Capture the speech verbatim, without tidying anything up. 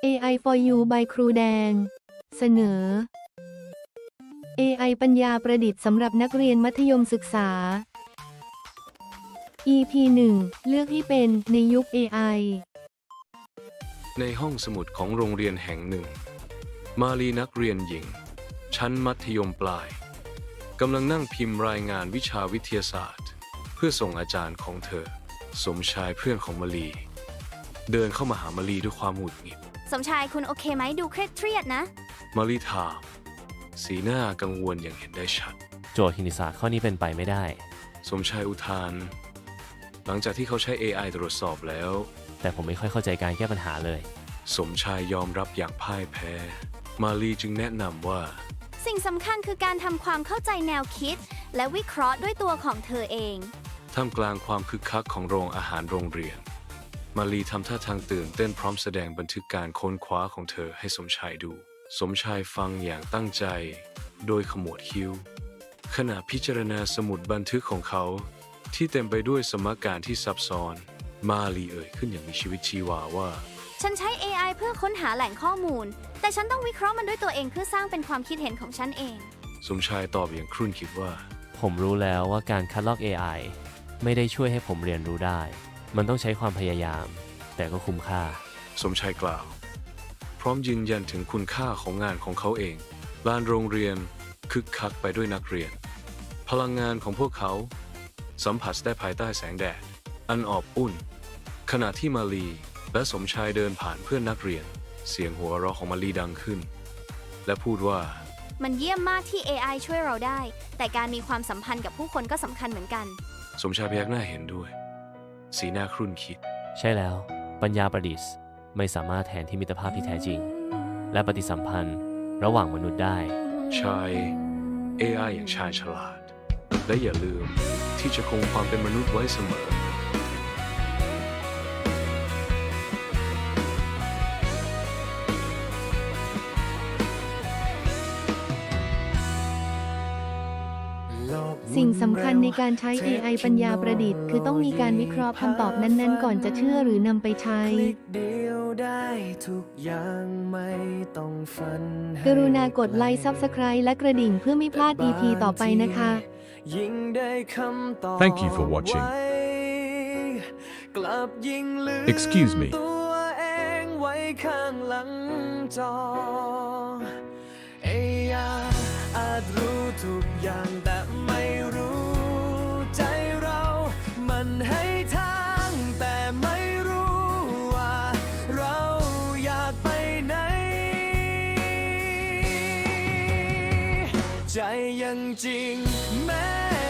เอ ไอ for you by ครูแดง เสนอ เอ ไอ ปัญญาประดิษฐ์สำหรับนักเรียนมัธยมศึกษา อี พี หนึ่ง เลือกให้เป็นในยุค เอ ไอในห้องสมุดของโรงเรียนแห่งหนึ่ง มาลีนักเรียนหญิง ชั้นมัธยมปลายกำลังนั่งพิมพ์รายงานวิชาวิทยาศาสตร์ เพื่อส่งอาจารย์ของเธอ สมชายเพื่อนของมาลีเดินเข้ามาหามาลีด้วยความหงุดหงิดสมชายคุณโอเคไหมดูเครียดเครียดนะมาลีถามสีหน้ากังวลอย่างเห็นได้ชัดโจทย์คณิตศาสตร์ข้อนี้เป็นไปไม่ได้สมชายอุทานหลังจากที่เขาใช้ เอ ไอ ตรวจสอบแล้วแต่ผมไม่ค่อยเข้าใจการแก้ปัญหาเลยสมชายยอมรับอย่างพ่ายแพ้ มาลีจึงแนะนำว่าสิ่งสำคัญคือการทำความเข้าใจแนวคิด และวิเคราะห์ด้วยตัวของเธอเองท่ามกลางความคึกคักของโรงอาหารโรงเรียน มาลีทำท่าทางตื่นเต้นพร้อมแสดงบันทึกการค้นคว้าของเธอให้สมชายดู สมชายฟังอย่างตั้งใจ โดยขมวดคิ้ว ขณะพิจารณาสมุดบันทึกของเขา ที่เต็มไปด้วยสมการที่ซับซ้อน มาลีเอ่ยขึ้นอย่างมีชีวิตชีวาว่าฉันใช้ เอ ไอ เพื่อค้นหาแหล่งข้อมูล แต่ฉันต้องวิเคราะห์มันด้วยตัวเองเพื่อสร้างเป็นความคิดเห็นของฉันเองสมชายตอบอย่างครุ่นคิดว่าผมรู้แล้วว่าการคัดลอก เอ ไอ ไม่ได้ช่วยให้ผมเรียนรู้ได้ มันต้องใช้ความพยายาม แต่ก็คุ้มค่าสมชายกล่าว พร้อมยืนยันถึงคุณค่าของงานของเขาเองลานโรงเรียนคึกคักไปด้วยนักเรียน พลังงานของพวกเขา สัมผัสได้ภายใต้แสงแดด อันอบอุ่น ขณะที่มาลีและสมชายเดินผ่านเพื่อนนักเรียน เสียงหัวเราะของมาลีดังขึ้น และพูดว่ามันเยี่ยมมากที่ เอ ไอ ช่วยเราได้ แต่การมีความสัมพันธ์กับผู้คนก็สำคัญเหมือนกันสมชายพยักหน้าเห็นด้วย สีหน้าครุ่นคิดใช่แล้ว ปัญญาประดิษฐ์ไม่สามารถแทนที่มิตรภาพที่แท้จริง และปฏิสัมพันธ์ระหว่างมนุษย์ได้ใช้ เอ ไอ อย่างชาญฉลาด และอย่าลืมที่จะคงความเป็นมนุษย์ไว้เสมอสิ่งสำคัญในการใช้ เอ ไอ ปัญญาประดิษฐ์คือต้องมีการวิเคราะห์คำตอบนั้นๆ ก่อนจะเชื่อหรือนำไปใช้ กรุณากดไลค์ ซับสไครบ์ และกระดิ่งเพื่อไม่พลาด อี พี ต่อไปนะคะ Thank you for watching. Excuse me. อาจรู้ทุกอย่างแต่ไม่รู้ใจเรา มันให้ทางแต่ไม่รู้ว่าเราอยากไปไหน ใจยังจริงแม้